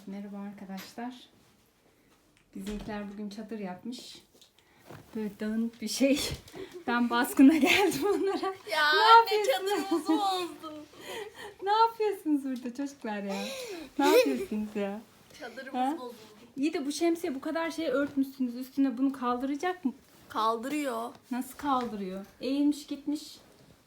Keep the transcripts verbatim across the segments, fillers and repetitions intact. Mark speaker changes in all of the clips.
Speaker 1: Merhaba arkadaşlar. Bizimkiler bugün çadır yapmış. Böyle dağınık bir şey. Ben baskına geldim onlara.
Speaker 2: Ya
Speaker 1: ne
Speaker 2: anne çadırımızı bozdu.
Speaker 1: Ne yapıyorsunuz burada çocuklar ya? Ne yapıyorsunuz ya?
Speaker 2: Çadırımız
Speaker 1: Ha?
Speaker 2: bozuldu.
Speaker 1: İyi de bu şemsiye bu kadar şey örtmüşsünüz. Üstüne bunu kaldıracak mı?
Speaker 2: Kaldırıyor.
Speaker 1: Nasıl kaldırıyor? Eğilmiş gitmiş.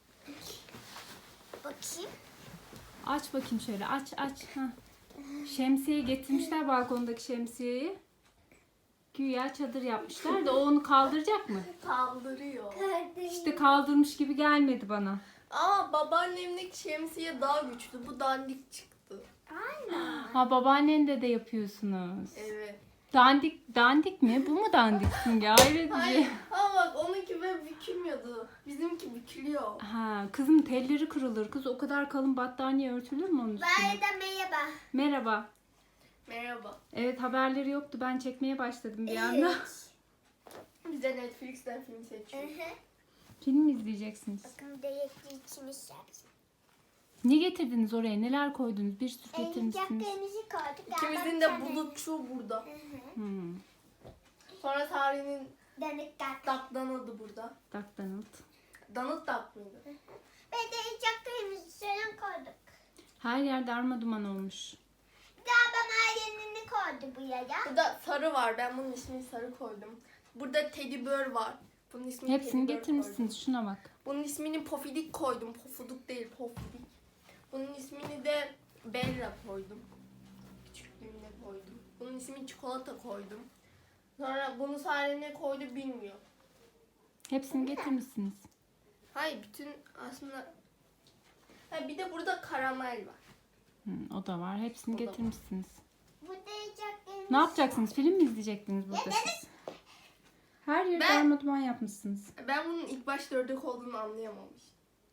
Speaker 3: Bakayım.
Speaker 1: Aç bakayım şöyle. Aç aç. Ha. Şemsiye getirmişler, balkondaki şemsiyeyi. Güya çadır yapmışlar da o onu kaldıracak mı?
Speaker 2: Kaldırıyor.
Speaker 1: İşte kaldırmış gibi gelmedi bana.
Speaker 2: Ama babaannemdeki şemsiye daha güçlü. Bu dandik çıktı.
Speaker 1: Ha, babaannende de yapıyorsunuz.
Speaker 2: Evet.
Speaker 1: Dandik dandik mi? Bu mu dandik Simge? Hayret
Speaker 2: Hayır.
Speaker 1: edici.
Speaker 2: Ama bak onunki böyle bükülmüyordu. Bizimki bükülüyor.
Speaker 1: Ha, kızım telleri kırılır. Kız o kadar kalın battaniye örtülür mü onun üstüne?
Speaker 3: Bana da merhaba.
Speaker 1: Merhaba.
Speaker 2: Merhaba.
Speaker 1: Evet, haberleri yoktu. Ben çekmeye başladım bir anda.
Speaker 2: Bize Netflix'ten film seçiyor.
Speaker 1: Film mi izleyeceksiniz?
Speaker 3: Bakın değekli içimiz yapsın.
Speaker 1: Ne getirdiniz oraya? Neler koydunuz? Bir sürü getirmişsiniz.
Speaker 3: Oyuncaklarımızı koyduk.
Speaker 2: İkimizin de bulutçu burada.
Speaker 1: Hmm.
Speaker 2: Sonra Sare'nin
Speaker 3: Danık kat.
Speaker 2: dak danadı burada.
Speaker 1: Duck Donald.
Speaker 2: Danıt dak mıydı?
Speaker 3: Ve de oyuncaklarımızı şöyle koyduk.
Speaker 1: Her yer darma duman olmuş.
Speaker 3: Daha bana yenini koydu buraya.
Speaker 2: Burada sarı var. Ben bunun ismini sarı koydum. Burada teddy bear var. Bunun ismini
Speaker 1: Hepsini
Speaker 2: teddy bear koydum.
Speaker 1: getirmişsiniz. Şuna bak.
Speaker 2: Bunun ismini Pofidik koydum. Pofuduk değil, Pofidik. Bunun ismini de Bella koydum. Küçüklüğümde koydum. Bunun ismini Çikolata koydum. Sonra bunu Sare ne koydu bilmiyor.
Speaker 1: Hepsini getirmişsiniz.
Speaker 2: Hayır, bütün aslında... Ha, bir de burada karamel var.
Speaker 1: Hmm, o da var. Hepsini
Speaker 2: O da var.
Speaker 1: getirmişsiniz.
Speaker 3: Burada oyuncaklarımız.
Speaker 1: Ne yapacaksınız? Film mi izleyecektiniz burada siz? Her yeri
Speaker 2: Ben-
Speaker 1: darma duman yapmışsınız.
Speaker 2: Ben bunun ilk başta ördek olduğunu anlayamamıştım.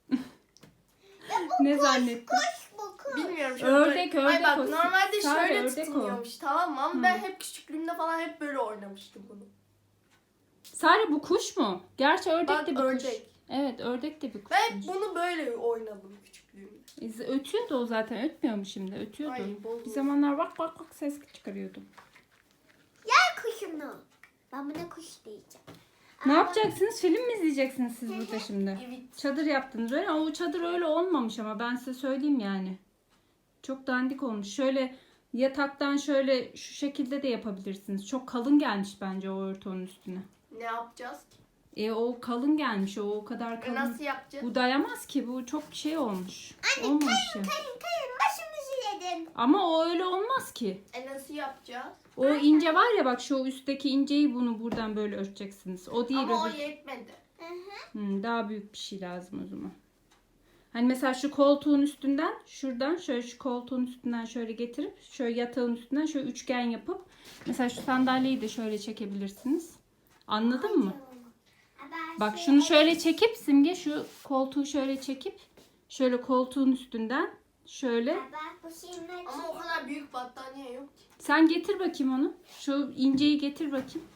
Speaker 1: Ne zannettin?
Speaker 3: Kuş bu kuş.
Speaker 2: Bilmiyorum.
Speaker 1: Ördek,
Speaker 2: böyle-
Speaker 1: ördek
Speaker 2: Ay bak
Speaker 1: o.
Speaker 2: normalde
Speaker 1: Sare,
Speaker 2: şöyle
Speaker 1: ördek o.
Speaker 2: tutunuyormuş, tamam mı? Ama
Speaker 1: Hı.
Speaker 2: ben hep küçüklüğümde falan hep böyle oynamıştım bunu.
Speaker 1: Sare, bu kuş mu? Gerçi ördek
Speaker 2: Bak,
Speaker 1: de bir
Speaker 2: ördek.
Speaker 1: kuş. Evet, ördek de bir kuş.
Speaker 2: Ben hep bunu böyle oynadım küçüklüğümde.
Speaker 1: Ötüyordu o zaten. Ötmüyor mu şimdi? Ötüyordu.
Speaker 2: Ay, bozuldu.
Speaker 1: Bir zamanlar bak bak bak ses çıkarıyordu.
Speaker 3: Gel kuşunu. Ben buna kuş diyeceğim.
Speaker 1: Ne yapacaksınız? Film mi izleyeceksiniz siz burada şimdi?
Speaker 2: Evet.
Speaker 1: Çadır yaptınız öyle ama o çadır öyle olmamış, ama ben size söyleyeyim yani. Çok dandik olmuş. Şöyle yataktan şöyle şu şekilde de yapabilirsiniz. Çok kalın gelmiş bence o örtü onun üstüne.
Speaker 2: Ne yapacağız ki?
Speaker 1: E o kalın gelmiş, o o kadar
Speaker 2: E,
Speaker 1: kalın.
Speaker 2: nasıl yapacağız?
Speaker 1: Bu dayamaz ki, bu çok şey olmuş. Olmamış ya.
Speaker 3: Kayın kayın başımızı yedin.
Speaker 1: Ama o öyle olmaz ki.
Speaker 2: E nasıl yapacağız?
Speaker 1: O ince var ya bak, şu üstteki inceyi bunu buradan böyle örteceksiniz. O değil,
Speaker 2: Ama o
Speaker 1: öbür.
Speaker 2: yetmedi.
Speaker 1: Hmm, daha büyük bir şey lazım o zaman. Hani mesela şu koltuğun üstünden, şuradan şöyle şu koltuğun üstünden şöyle getirip şöyle yatağın üstünden şöyle üçgen yapıp mesela şu sandalyeyi de şöyle çekebilirsiniz. Anladın mı? Bak şunu şöyle çekip Simge, şu koltuğu şöyle çekip şöyle koltuğun üstünden şöyle.
Speaker 3: Bak bu şimdi.
Speaker 2: Ama o kadar büyük battaniye yok ki.
Speaker 1: Sen getir bakayım onu. Şu inceyi getir bakayım.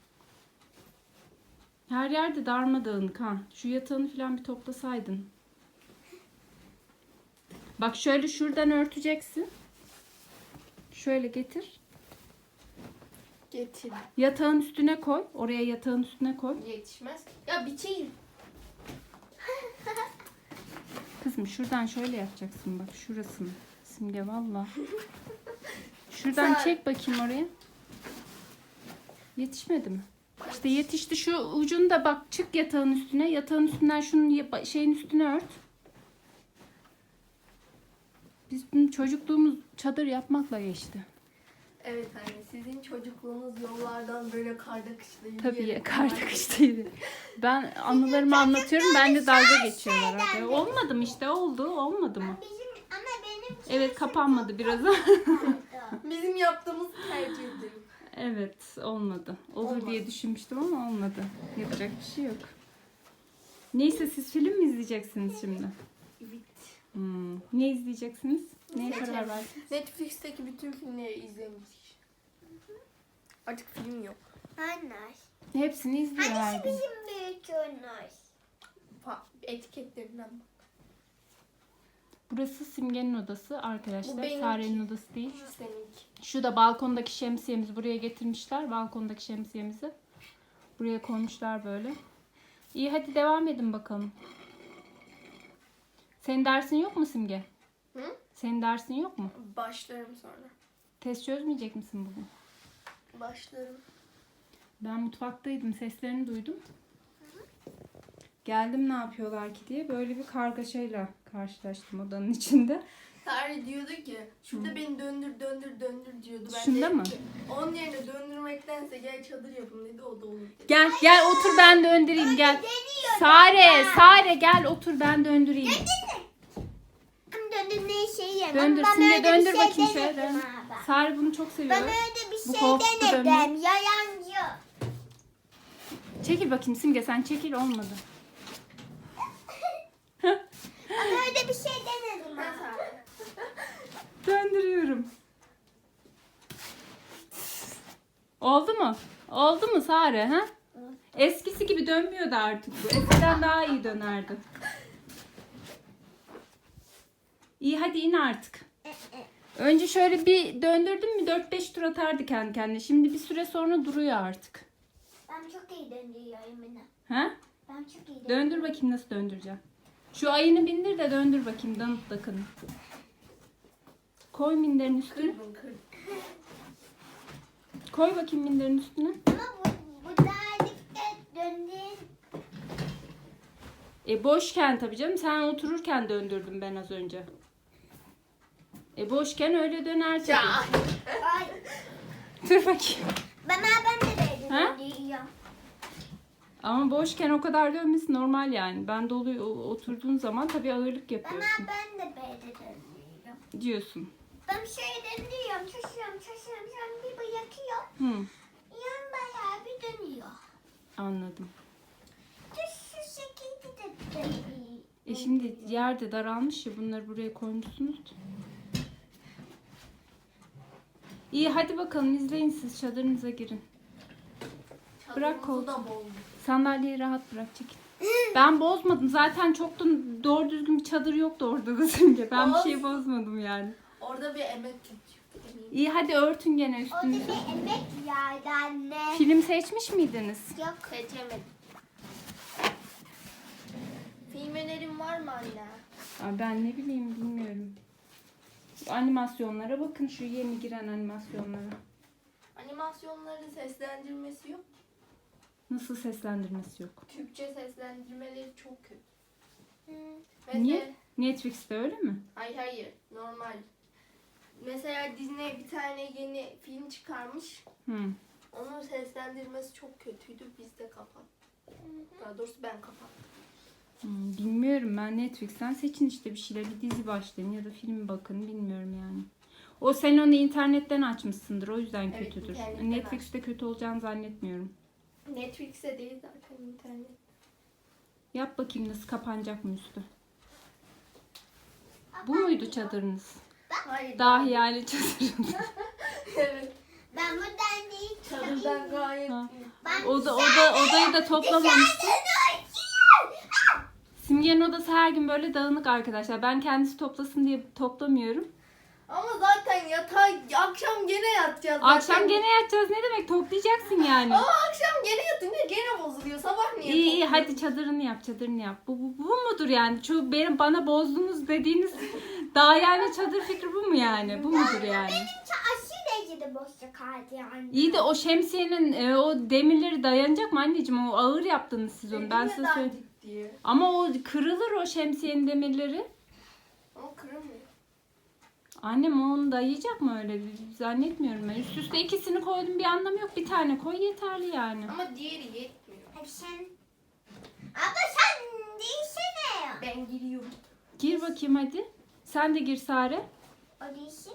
Speaker 1: Her yerde darmadağınık ha. Şu yatağını falan bir toplasaydın. Bak şöyle şuradan örteceksin. Şöyle getir.
Speaker 2: Getir.
Speaker 1: Yatağın üstüne koy. Oraya yatağın üstüne koy.
Speaker 2: Yetişmez. Ya biçeyim.
Speaker 1: Kızım şuradan şöyle yapacaksın bak şurasını. Simge valla. Şuradan
Speaker 2: Sen-
Speaker 1: çek bakayım oraya. Yetişmedi mi? İşte yetişti, şu ucunu da bak, çık yatağın üstüne. Yatağın üstünden şunun ya- şeyin üstüne ört. Bizim çocukluğumuz çadır yapmakla geçti.
Speaker 2: Evet anne, sizin çocukluğunuz yollardan böyle karda kışta yürüyerek.
Speaker 1: Tabii ya, karda kıştaydı. Ben anılarımı anlatıyorum, ben de dalga geçiyorlar. Abi. Olmadı mı işte, oldu, olmadı mı?
Speaker 3: Bizim ama benim
Speaker 1: Evet, kapanmadı biraz.
Speaker 2: Bizim yaptığımız tercih ederim.
Speaker 1: Evet, olmadı. Olur
Speaker 2: Olmadı.
Speaker 1: diye düşünmüştüm ama olmadı. Yapacak bir şey yok. Neyse, siz film mi izleyeceksiniz şimdi?
Speaker 2: Evet.
Speaker 1: Hmm. Ne izleyeceksiniz? Neye karar
Speaker 2: Seçelim.
Speaker 1: verdiniz?
Speaker 2: Netflix'teki bütün filmleri izlemiştik. Artık film yok.
Speaker 3: Anlar.
Speaker 1: Hepsini izliyor her
Speaker 3: Hangisi
Speaker 1: gün.
Speaker 3: bizim büyük onlar?
Speaker 2: Pa- etiketlerinden bak.
Speaker 1: Burası Simge'nin odası
Speaker 2: Bu
Speaker 1: arkadaşlar.
Speaker 2: benimki.
Speaker 1: Sare'nin odası değil.
Speaker 2: Şu seninki.
Speaker 1: Şu da balkondaki şemsiyemizi buraya getirmişler. Balkondaki şemsiyemizi buraya koymuşlar böyle. İyi hadi devam edin bakalım. Senin dersin yok mu Simge?
Speaker 2: Hı?
Speaker 1: Senin dersin yok mu?
Speaker 2: Başlarım sonra.
Speaker 1: Test çözmeyecek misin bugün?
Speaker 2: Başlarım.
Speaker 1: Ben mutfaktaydım. Seslerini duydum. Geldim ne yapıyorlar ki diye. Böyle bir kargaşayla karşılaştım odanın içinde.
Speaker 2: Tarih diyordu ki şurada beni döndür döndür döndür diyordu. Ben
Speaker 1: Şunda
Speaker 2: dedim
Speaker 1: mı?
Speaker 2: ki, onun yerine döndürmektense gel çadır yapın dedi, o da olur dedi.
Speaker 1: Gel gel otur ben döndüreyim gel. Sare Sare gel otur ben döndüreyim.
Speaker 3: Hem döndür ne şey yemem.
Speaker 1: Döndür
Speaker 3: Ben
Speaker 1: Simge
Speaker 3: öyle
Speaker 1: döndür
Speaker 3: bir şey
Speaker 1: bakayım şöyle.
Speaker 3: denedim
Speaker 1: dön.
Speaker 3: abi.
Speaker 1: Sare bunu çok seviyor.
Speaker 3: Ben öyle bir
Speaker 1: Bu
Speaker 3: şey
Speaker 1: koltukta
Speaker 3: denedim.
Speaker 1: dönme.
Speaker 3: Yalancı.
Speaker 1: Çekil bakayım Simge sen çekil olmadı.
Speaker 3: Ben öyle bir şey denedim
Speaker 2: Ben
Speaker 3: abi.
Speaker 2: Sare.
Speaker 1: Döndürüyorum. Oldu mu? Oldu mu Sare ha? Eskisi gibi dönmüyordu artık bu. Eskiden daha iyi dönerdi. İyi hadi in artık. Önce şöyle bir döndürdün mü dört beş tur atardı kendi kendine. Şimdi bir süre sonra duruyor artık.
Speaker 3: Ben çok iyi döndürüyorum yine.
Speaker 1: Ha?
Speaker 3: Ben çok iyi
Speaker 1: Döndür bakayım nasıl döndüreceğim. Şu ayını bindir de döndür bakayım danıt dakını. Koy minderin üstüne.
Speaker 2: Kırdım kırdım.
Speaker 1: Koy bakayım minderin üstüne.
Speaker 3: Ama bu, bu derdikte döndüğün
Speaker 1: E boşken tabii canım. Sen otururken döndürdüm ben az önce. E boşken öyle döner tabii.
Speaker 2: Ya.
Speaker 3: ay.
Speaker 1: Dur bakayım.
Speaker 3: Ben ben de böyle
Speaker 1: Ha?
Speaker 3: döndürüyorum.
Speaker 1: Ama boşken o kadar dönmesi normal yani. Ben dolu oturduğun zaman tabii ağırlık
Speaker 3: Ben
Speaker 1: yapıyorsun
Speaker 3: ben de böyle döndürüyorum.
Speaker 1: diyorsun.
Speaker 3: Ben şöyle döndürüyorum, şaşıyorum, şaşıyorum, sonra bir bırakıyor.
Speaker 1: Hı,
Speaker 3: Yan bayağı bir dönüyor.
Speaker 1: anladım.
Speaker 3: Düz şu şekilde de dönüyor.
Speaker 1: E şimdi yer de daralmış ya bunları buraya koymuşsunuz. İyi hadi bakalım izleyin siz çadırınıza girin. Bırak
Speaker 2: Çadırımızı da
Speaker 1: koltuğu.
Speaker 2: bozdum.
Speaker 1: Sandalyeyi rahat bırak çekin. Ben bozmadım. Zaten çok da doğru düzgün bir çadır yoktu orada da Simge. Ben bir şey bozmadım yani.
Speaker 2: Orada bir emek çıktı. eminim.
Speaker 1: İyi hadi örtün gene
Speaker 3: Orada
Speaker 1: üstünüzü.
Speaker 3: bir emek vardı anne.
Speaker 1: Film seçmiş miydiniz?
Speaker 3: Yok.
Speaker 2: Seçemedim. Film önerin var mı anne?
Speaker 1: Aa, ben ne bileyim bilmiyorum. Animasyonlara bakın şu yeni giren animasyonlara.
Speaker 2: Animasyonların seslendirmesi yok.
Speaker 1: Nasıl seslendirmesi yok.
Speaker 2: Türkçe seslendirmeleri çok kötü.
Speaker 3: Hı.
Speaker 2: Mesela,
Speaker 1: Niye? Netflix'te öyle mi?
Speaker 2: Hayır hayır normal. Mesela Disney bir tane yeni film çıkarmış.
Speaker 1: Hı.
Speaker 2: Onun seslendirmesi çok kötüydü. Biz de kapattık. Daha doğrusu ben kapattım.
Speaker 1: Hmm, bilmiyorum ben Netflix'ten seçin işte bir şeyler bir dizi başlayın ya da film bakın bilmiyorum yani. O sen onu internetten açmışsındır o yüzden
Speaker 2: Evet,
Speaker 1: kötüdür.
Speaker 2: internetten
Speaker 1: Netflix'te kötü olacağını zannetmiyorum.
Speaker 2: Netflix'e değil zaten internet.
Speaker 1: Yap bakayım nasıl kapanacak mı üstü. Bu muydu çadırınız?
Speaker 2: Hayır.
Speaker 1: Dahi yani çadırınız.
Speaker 2: Evet.
Speaker 3: Ben buradan değil.
Speaker 2: Çadırdan gayet
Speaker 1: Ha.
Speaker 2: iyi.
Speaker 3: Ben
Speaker 1: Oda, oda, odayı da toplamamıştı. Simge'nin odası her gün böyle dağınık arkadaşlar. Ben kendisi toplasın diye toplamıyorum.
Speaker 2: Ama zaten yatağa akşam gene yatacağız. zaten.
Speaker 1: Akşam gene yatacağız ne demek toplayacaksın yani.
Speaker 2: Ama akşam gene yatınca gene bozuluyor. Sabah niye
Speaker 1: İyi iyi
Speaker 2: topluyorsun?
Speaker 1: hadi çadırını yap çadırını yap. Bu, bu, bu mudur yani? Şu benim bana bozdunuz dediğiniz daha yani çadır fikri bu mu yani? Bu mudur yani?
Speaker 3: Benimki aşırı derecede boşluk kaldı yani.
Speaker 1: İyi de o şemsiyenin e, o demirleri dayanacak mı anneciğim? O ağır yaptınız siz onu. Ben size
Speaker 2: Neden
Speaker 1: söyleyeyim.
Speaker 2: dik diye.
Speaker 1: Ama o kırılır o şemsiyenin demirleri.
Speaker 2: Ama kırılmıyor.
Speaker 1: Annem onu dayayacak mı öyle? Zannetmiyorum ben. Üst üste ikisini koydum bir anlamı yok. Bir tane koy yeterli yani.
Speaker 2: Ama diğeri yetmiyor.
Speaker 3: Hadi sen. Abla sen değilsene ya.
Speaker 2: Ben giriyorum.
Speaker 1: Gir bakayım hadi. Sen de gir Sare.
Speaker 3: O değilsin.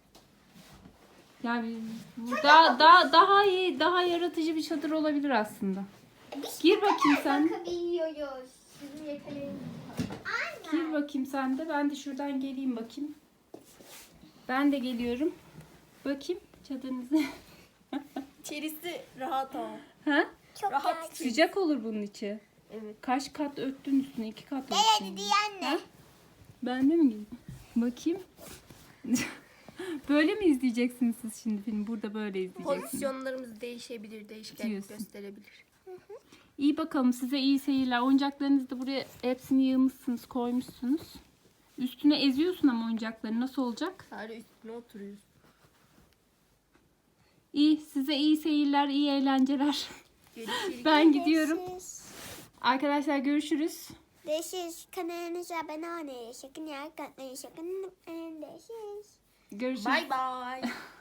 Speaker 1: Yani bu daha daha daha iyi, daha yaratıcı bir çadır olabilir aslında.
Speaker 3: Biz
Speaker 1: Gir bakayım sen.
Speaker 3: bakabiliyoruz. Sizin yeteneğiniz. Anne.
Speaker 1: Gir bakayım sen de. Ben de şuradan geleyim bakayım. Ben de geliyorum. Bakayım çadırınızı.
Speaker 2: İçerisi rahat ama.
Speaker 1: Ha?
Speaker 3: Çok
Speaker 2: Rahat.
Speaker 3: rahat.
Speaker 1: Sıcak olur bunun içi.
Speaker 2: Evet.
Speaker 1: Kaç kat örttün üstüne? İki kat
Speaker 3: Gel
Speaker 1: örttün.
Speaker 3: hadi diye anne.
Speaker 1: Ha? Ben de mi gideyim? Bakayım. Böyle mi izleyeceksiniz siz şimdi film? Burada böyle izleyeceksiniz.
Speaker 2: Pozisyonlarımız değişebilir, değişkenlik
Speaker 1: Diyorsun.
Speaker 2: gösterebilir.
Speaker 1: İyi bakalım, size iyi seyirler. Oyuncaklarınızı da buraya hepsini yığmışsınız, koymuşsunuz. Üstüne eziyorsun ama oyuncakları nasıl olacak?
Speaker 2: Sadece üstüne oturuyoruz.
Speaker 1: İyi, size iyi seyirler, iyi eğlenceler.
Speaker 2: Görüşürüz.
Speaker 1: Ben gidiyorum.
Speaker 3: Görüşürüz.
Speaker 1: Arkadaşlar görüşürüz.
Speaker 3: Görüşürüz. Kanalımıza abone olmayı, sakın like atmayı, sakın unutmayın. Görüşürüz.
Speaker 1: Görüşürüz.
Speaker 2: Bye bye.